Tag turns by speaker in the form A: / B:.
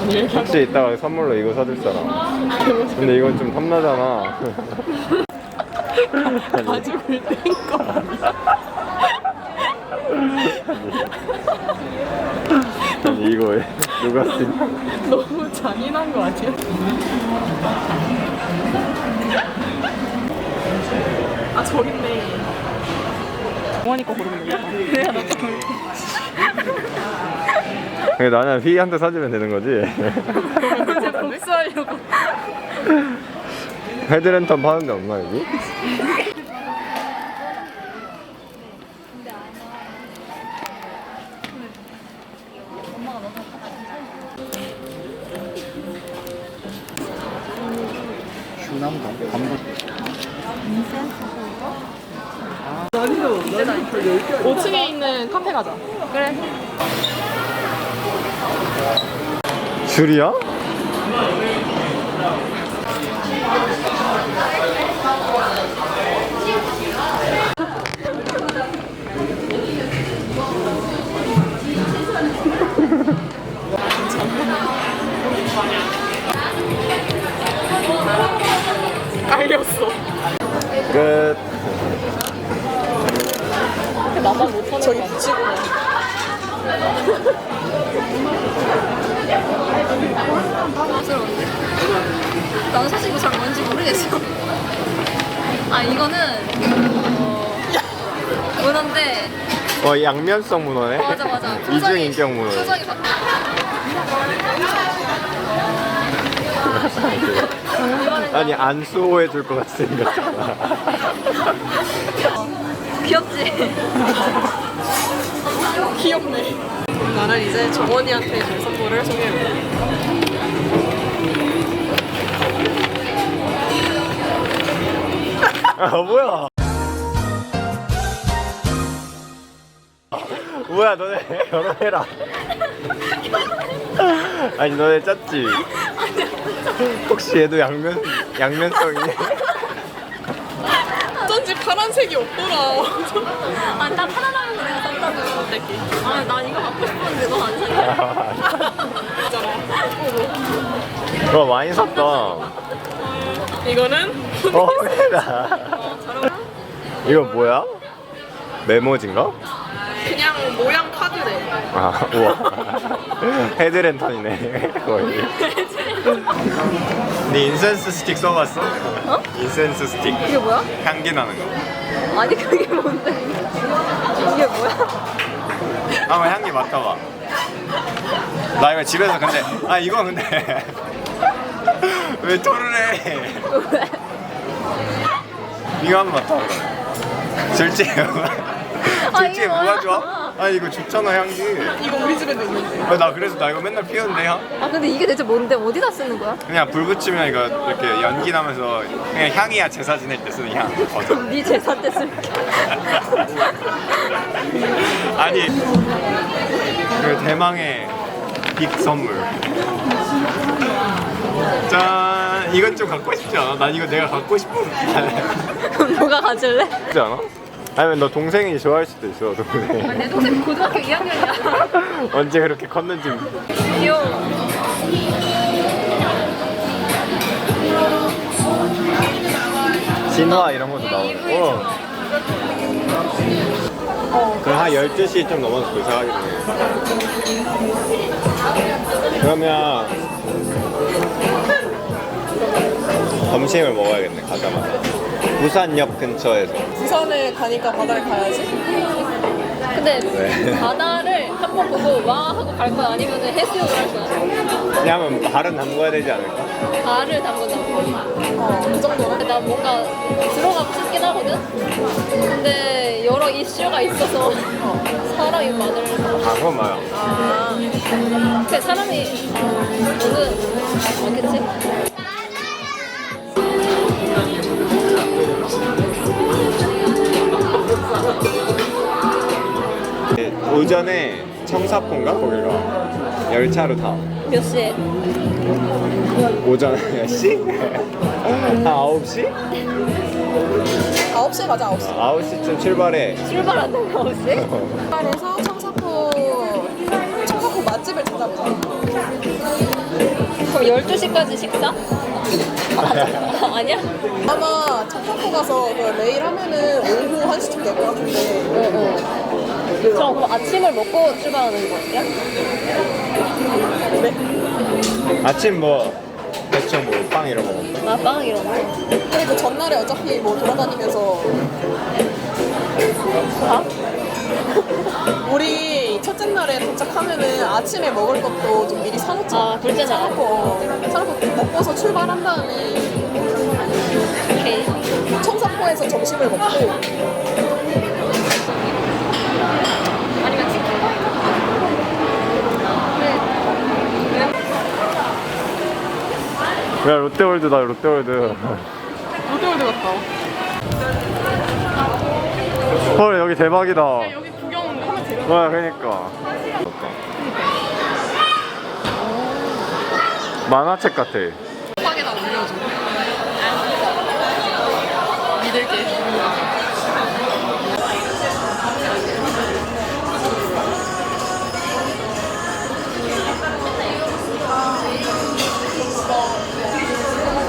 A: 혹시 이따가 선물로 이거 사줄 사람? 근데 이건 좀 탐나잖아.
B: 가죽을 뗀거
A: 아니 이거 왜 누가 쓰냐?
B: 너무 잔인한 거 아니야? 아 저기 있네. 영원이 거 고르면 되겠다. 그래야 나도 고르고.
A: 나는 휘한테 사주면 되는 거지.
B: 이제 복수하려고.
A: 헤드랜턴 파는 데 없나 여기? 슈남동 반복
B: 5층에 있는 카페 가자. 그래.
A: 줄이야?
B: 깔렸어.
A: 끝.
B: 나만 못하는 저기 붙이고.
C: 나는 사실 이거 잘 뭔지 모르겠어. 아 이거는 문어인데.
A: 양면성 문어네.
C: 맞아 맞아.
A: 이중 인격 문어.
C: 표정이 막.
A: 아니 안 수호해 줄 것 같이 생겼잖아.
C: 귀엽지?
B: 귀엽네. 나는 이제 정원이한테 줄 선물을 소개해볼게.
A: 아 뭐야? 뭐야 너네 결혼해라. 아니 너네 짰지? 혹시 얘도 양면성이?
B: 어쩐지 파란색이 없더라.
C: 아나 편안하면 내가 샀다고. 아난 이거 갖고 싶었는데 너 안 샀냐?
A: 와 많이 샀다.
B: 이거는
A: 해라. 이거 뭐야? 메모지인가?
B: 그냥 모양 카드래.
A: 아 우와. 헤드랜턴이네 거의. 네 인센스 스틱 써봤어?
C: 어?
A: 인센스 스틱.
C: 이게 뭐야?
A: 향기 나는 거.
C: 아니 그게 뭔데? 이게 뭐야?
A: 한번 향기 맡아봐. 나 이거 집에서 근데 이거 근데 왜 토를 해?
C: 왜?
A: 이거 한번 맡아봐. 솔직히 솔직히
C: 이게
A: 뭐가
C: 뭐야?
A: 좋아? 이거 좋잖아 향기.
B: 이거 우리 집에도 있는데.
A: 나 그래서 나 이거 맨날 피우는데 향?
C: 아 근데 이게 대체 뭔데? 어디다 쓰는 거야?
A: 그냥 불 붙이면 이거 이렇게 연기 나면서 그냥 향이야 제사 지낼 때 쓰는 향. 버섯.
C: 네 재산 때 쓸게.
A: 아니 그 대망의 빅 선물. 짠. 이건 좀 갖고 싶지 않아? 난 이거 내가 갖고 싶은.
C: 누가 가질래?
A: 그렇지 않아? 아니면 너 동생이 좋아할 수도 있어. 동생.
C: 내 동생 고등학교 2학년이야.
A: 언제 그렇게 컸는지.
C: 귀여워.
A: 진화 이런 것도 나오고. 그럼 한 12시 좀 넘어서 도착하겠네. 그러면 점심을 먹어야겠네 가자마자. 부산역 근처에서.
B: 부산에 가니까 바다에 가야지.
C: 근데
A: 왜?
C: 바다를 한 번 보고 와 하고 갈 거야? 아니면 해수욕을 할 거야?
A: 왜냐면 발은 담궈야 되지 않을까?
C: 발을 담근다고.
B: 그 정도로.
C: 나 뭔가 들어가고 싶긴 하거든? 근데 여러 이슈가 있어서 사람이 많을
A: 그건 맞아.
C: 그 사람이 많겠지?
A: 오전에 청사포인가? 거기가 열차로 타.
C: 몇 시에?
A: 오전 몇 시? 한 9시?
B: 9시에 가자, 9시.
A: 9시쯤 출발해.
C: 출발한다고 혹시?
B: 부산에서 청사포 맛집을 찾아보자.
C: 12시까지 식사? 아니야?
B: 아마 차 타고 가서 그 내일 하면은 오후 1시쯤 될 것 같은데.
C: 그럼 그 아침을 먹고 출발하는 거야?
B: 그래?
A: 아침 뭐 대충 뭐 빵 이런 거 먹고.
C: 아, 빵 이런 거.
B: 그리고 전날에 어차피 뭐 돌아다니면서
C: 밥?
B: 우리 첫째 날에 도착하면은 아침에 먹을 것도 좀 미리 사놓자.
C: 아, 둘째 날.
B: 사놓고 먹고서 출발한 다음에
C: 오케이.
B: 청사포에서 점심을 먹고
C: 아니면 치킨?
A: 야 롯데월드다 롯데월드.
B: 롯데월드 갔다.
A: 헐 여기 대박이다.
B: 여기 구경하면 되려.
A: 와 그러니까. 만화책 같아.
B: 팍에다 올려줘. 믿을게.